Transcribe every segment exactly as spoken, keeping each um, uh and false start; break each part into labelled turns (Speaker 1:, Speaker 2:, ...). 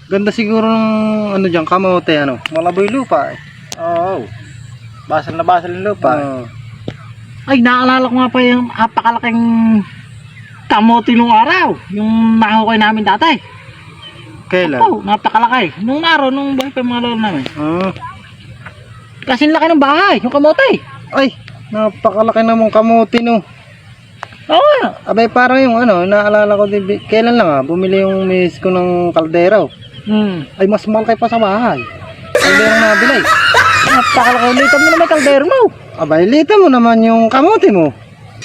Speaker 1: Ganda siguro ng ano diyan, kamote ano. Malaboy lupa eh.
Speaker 2: Oo. Basal na basal yung lupa.
Speaker 1: Oo.
Speaker 3: Ay, naalala ko nga pa yung napakalaking kamote nung araw. Yung nakahukay namin dati.
Speaker 1: Kailan?
Speaker 3: Oo, napakalaki. Nung araw, nung buhay pa yung mga lolo namin.
Speaker 1: Ah.
Speaker 3: Kasi laki ng bahay, yung kamote.
Speaker 1: Ay, napakalaki namang kamote no.
Speaker 3: Oo nga.
Speaker 1: Abay parang yung ano, naalala ko din, bi- kailan lang ah, bumili yung miss ko ng kaldero.
Speaker 3: Hmm.
Speaker 1: Ay mas malaki pa sa bahay. Kaldero na nabili.
Speaker 3: Napakalaki. Litan mo na may kaldero mo.
Speaker 1: Abay, lita mo naman yung kamote mo.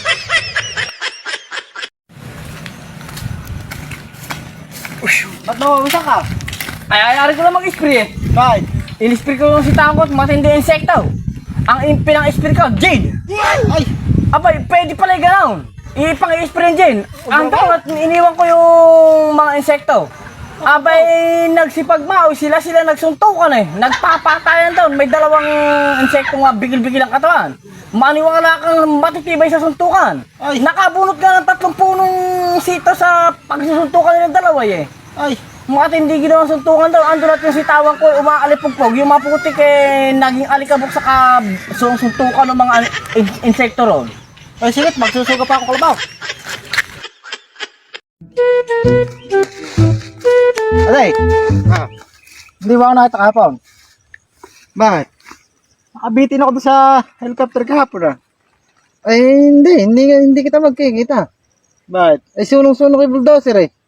Speaker 2: Ba't nawawasak ka?
Speaker 4: Ay, ayari ko lang mag-spray eh.
Speaker 2: Bakit?
Speaker 4: In-spray ko lang si Tangkot, matindi insekto. Ang in- pinang-spray ko, Jade.
Speaker 2: Ay!
Speaker 4: Abay, pwede pala yung gano'n. Ipang i-spray yung Jade. Ang Tangkot, iniwan ko yung mga insekto. Abay, nagsipagmaw, sila-sila nagsuntukan eh. Nagpapatayan doon. May dalawang insekto nga bigil-bigil ang katawan. Maniwala kang matitibay sa suntukan.
Speaker 2: Ay.
Speaker 4: Nakabunot ka ng tatlong punong sito sa pagsusuntukan nilang dalawa eh.
Speaker 2: Ay!
Speaker 4: Matindi ginawa ang suntukan daw. Ando natin si tawang ko, umaalipugpog. Yung mga putik eh, naging alikabok sa ka, suntukan ng mga in- insekto ron.
Speaker 2: Ay, sige, magsusuga pa ako kalabaw. Aday!
Speaker 1: Ah,
Speaker 2: Hindi ba ako nakita kahapon?
Speaker 1: bakit?
Speaker 2: Nakabitin ako doon sa helicopter kahapon ah.
Speaker 1: Ay hindi, hindi, hindi kita magkikita.
Speaker 2: Bakit?
Speaker 1: Ay sunong-sunog kay bulldozer eh.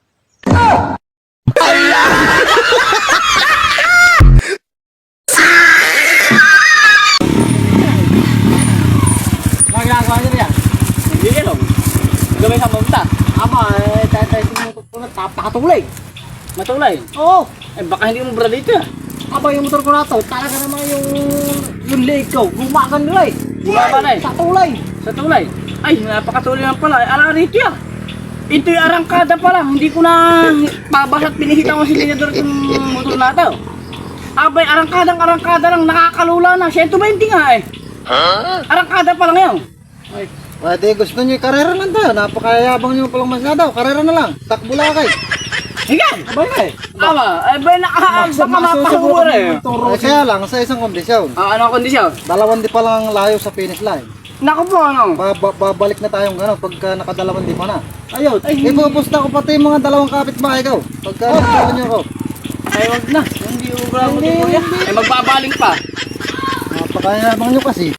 Speaker 4: Mga ginagawa nyo yan? Hindi ka lang. Gawin sa mamta. Ama, eh, tayo-tayo sinutunod, tapakatulay. Matulay.
Speaker 2: Oo!
Speaker 4: Eh, baka hindi mo bra dito ah.
Speaker 2: Aba yung motor ko na to, talaga naman yung yung leg ko, gumagan nila eh.
Speaker 4: Bumaba na eh.
Speaker 2: Sa tulay.
Speaker 4: Sa tulay. Ay, napakatuloy lang pala. Ala rito ah. Ito yung arangkada pala. Hindi ko na babas at pinihita ko si Linador yung motor na ito. Abay, arangkadang arangkada lang. Nakakalula na. one twenty nga eh. Arangkada pa lang yun.
Speaker 1: Ay, pwede gusto niyo karera lang tayo. Napakayabang niyo palang masyado. Karera na lang. Takbo lang kay.
Speaker 4: Higan!
Speaker 2: Aba nga eh.
Speaker 4: Ama, eh ba nakahaan baka mapahumura eh.
Speaker 1: Ay, kaya lang sa isang kondisyon.
Speaker 4: Ah, ano ang kondisyon?
Speaker 1: Dalawang di pa lang layo sa finish line.
Speaker 4: Naku po ano?
Speaker 1: Ba- ba- babalik na tayong gano'n pagka nakadalawang di pa na.
Speaker 2: Ayun.
Speaker 4: Ay,
Speaker 1: Ipupusta ko pati yung mga dalawang kapitbahay ko. Pagka nakadala niyo ako.
Speaker 4: ay wag na. Hindi ubra mo din kuya. Eh magbabaling pa.
Speaker 1: Napakayabang niyo kasi.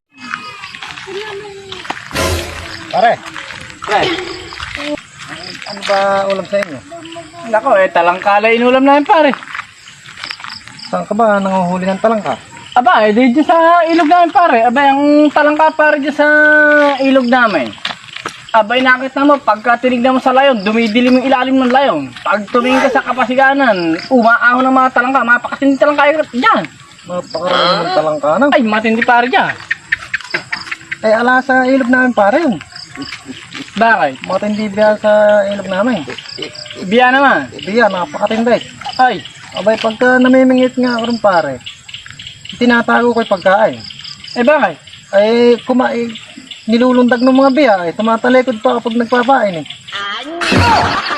Speaker 1: Pare,
Speaker 4: Pre.
Speaker 1: ano ba ulam sa inyo?
Speaker 4: Nako eh, talangkala inulam namin pare.
Speaker 1: Saan ka ba nanguhuli ng talangka?
Speaker 4: Aba, eh, di dyan sa ilog namin pare. Aba, ang talangka pare dyan sa ilog namin. Aba, nakita mo, pagka tinignan mo sa layon, dumidilim yung ilalim ng layon. Pag tumingin ka sa kapasiganan, umaahon ng mga talangka, mapakasindi talangka yung dyan.
Speaker 1: Napakarami ng talangka na.
Speaker 4: Ay, matindi pare dyan.
Speaker 1: Ay, ala sa ilog namin pare yun.
Speaker 4: Bakit?
Speaker 1: Matindi biya sa ilog namin.
Speaker 4: Biya naman.
Speaker 1: Biya, napakatindi.
Speaker 4: Ay,
Speaker 1: Abay, pagka namimingit nga ako rin pare, tinatago ko yung pagkain.
Speaker 4: eh bakit?
Speaker 1: Ay, kumain, nilulundag ng mga biya, ay tumatalikod pa kapag nagpapain eh.